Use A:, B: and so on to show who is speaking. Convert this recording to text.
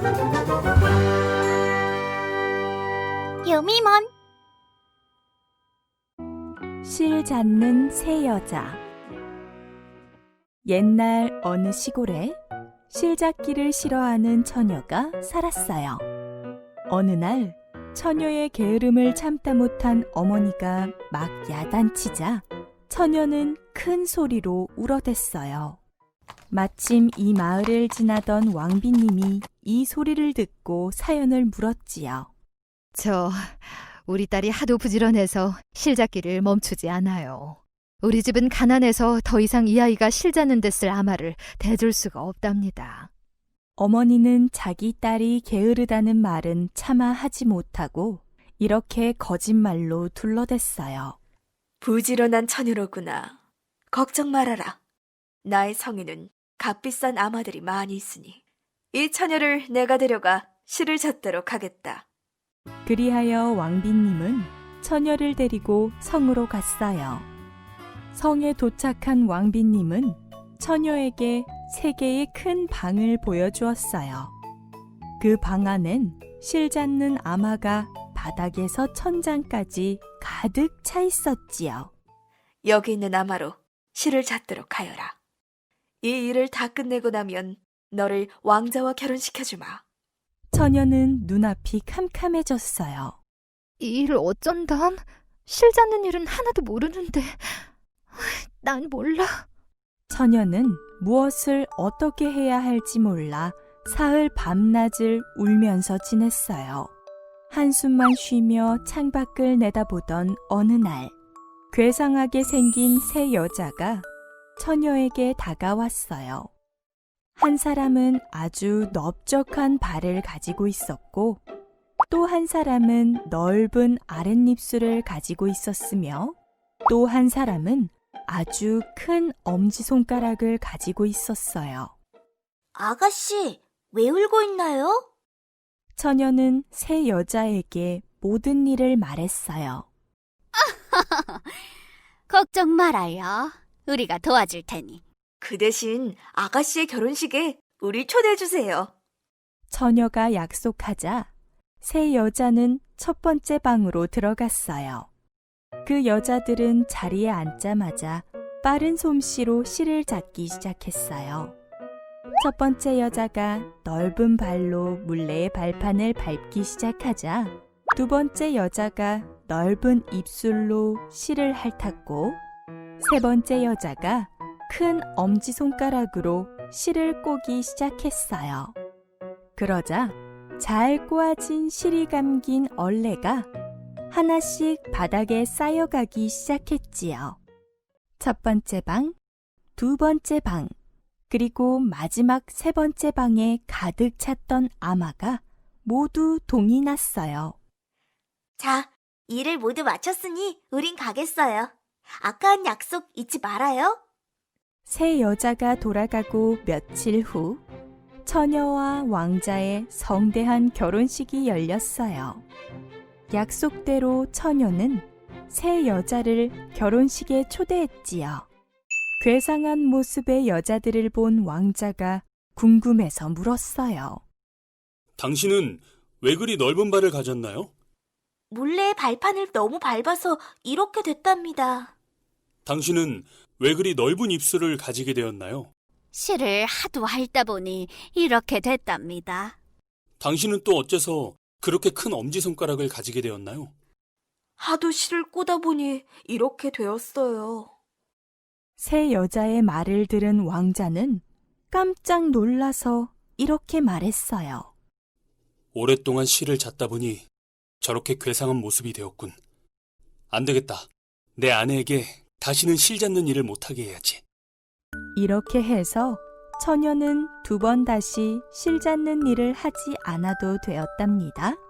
A: 유미몬.
B: 실 잡는 새 여자. 옛날 어느 시골에 실 잡기를 싫어하는 처녀가 살았어요. 어느 날 처녀의 게으름을 참다 못한 어머니가 막 야단치자 처녀는 큰 소리로 울어댔어요. 마침 이 마을을 지나던 왕비님이 이 소리를 듣고 사연을 물었지요.
C: 우리 딸이 하도 부지런해서 실 잡기를 멈추지 않아요. 우리 집은 가난해서 더 이상 이 아이가 실 잡는 데 쓸 아마를 대줄 수가 없답니다.
B: 어머니는 자기 딸이 게으르다는 말은 차마 하지 못하고 이렇게 거짓말로 둘러댔어요.
D: 부지런한 처녀로구나. 걱정 말아라. 나의 성에는 값비싼 아마들이 많이 있으니 이 처녀를 내가 데려가 실을 잡도록 하겠다.
B: 그리하여 왕비님은 처녀를 데리고 성으로 갔어요. 성에 도착한 왕비님은 처녀에게 3개의 큰 방을 보여주었어요. 그 방 안엔 실 잡는 아마가 바닥에서 천장까지 가득 차 있었지요.
D: 여기 있는 아마로 실을 잡도록 하여라. 이 일을 다 끝내고 나면 너를 왕자와 결혼시켜주마.
B: 처녀는 눈앞이 캄캄해졌어요.
C: 이 일을 어쩐담? 실 잡는 일은 하나도 모르는데. 난 몰라.
B: 처녀는 무엇을 어떻게 해야 할지 몰라 사흘 밤낮을 울면서 지냈어요. 한숨만 쉬며 창밖을 내다보던 어느 날, 괴상하게 생긴 새 여자가 처녀에게 다가왔어요. 한 사람은 아주 넓적한 발을 가지고 있었고, 또 한 사람은 넓은 아랫입술을 가지고 있었으며, 또 한 사람은 아주 큰 엄지손가락을 가지고 있었어요.
A: 아가씨, 왜 울고 있나요?
B: 처녀는 새 여자에게 모든 일을 말했어요.
A: 걱정 말아요. 우리가 도와줄 테니.
D: 그 대신 아가씨의 결혼식에 우리 초대해주세요.
B: 처녀가 약속하자 새 여자는 첫 번째 방으로 들어갔어요. 그 여자들은 자리에 앉자마자 빠른 솜씨로 실을 잡기 시작했어요. 첫 번째 여자가 넓은 발로 물레의 발판을 밟기 시작하자 두 번째 여자가 넓은 입술로 실을 핥았고 세 번째 여자가 큰 엄지손가락으로 실을 꼬기 시작했어요. 그러자 잘 꼬아진 실이 감긴 얼레가 하나씩 바닥에 쌓여가기 시작했지요. 첫 번째 방, 두 번째 방, 그리고 마지막 세 번째 방에 가득 찼던 아마가 모두 동이 났어요.
A: 자, 일을 모두 마쳤으니 우린 가겠어요. 아까 한 약속 잊지 말아요.
B: 새 여자가 돌아가고 며칠 후 처녀와 왕자의 성대한 결혼식이 열렸어요. 약속대로 처녀는 새 여자를 결혼식에 초대했지요. 괴상한 모습의 여자들을 본 왕자가 궁금해서 물었어요.
E: 당신은 왜 그리 넓은 발을 가졌나요?
A: 물레의 발판을 너무 밟아서 이렇게 됐답니다.
E: 당신은 왜 그리 넓은 입술을 가지게 되었나요?
A: 실을 하도 핥다 보니 이렇게 됐답니다.
E: 당신은 또 어째서 그렇게 큰 엄지손가락을 가지게 되었나요?
D: 하도 실을 꼬다 보니 이렇게 되었어요.
B: 새 여자의 말을 들은 왕자는 깜짝 놀라서 이렇게 말했어요.
E: 오랫동안 실을 잡다 보니 저렇게 괴상한 모습이 되었군. 안 되겠다. 내 아내에게 다시는 실 잡는 일을 못하게 해야지.
B: 이렇게 해서 처녀는 2번 다시 실 잡는 일을 하지 않아도 되었답니다.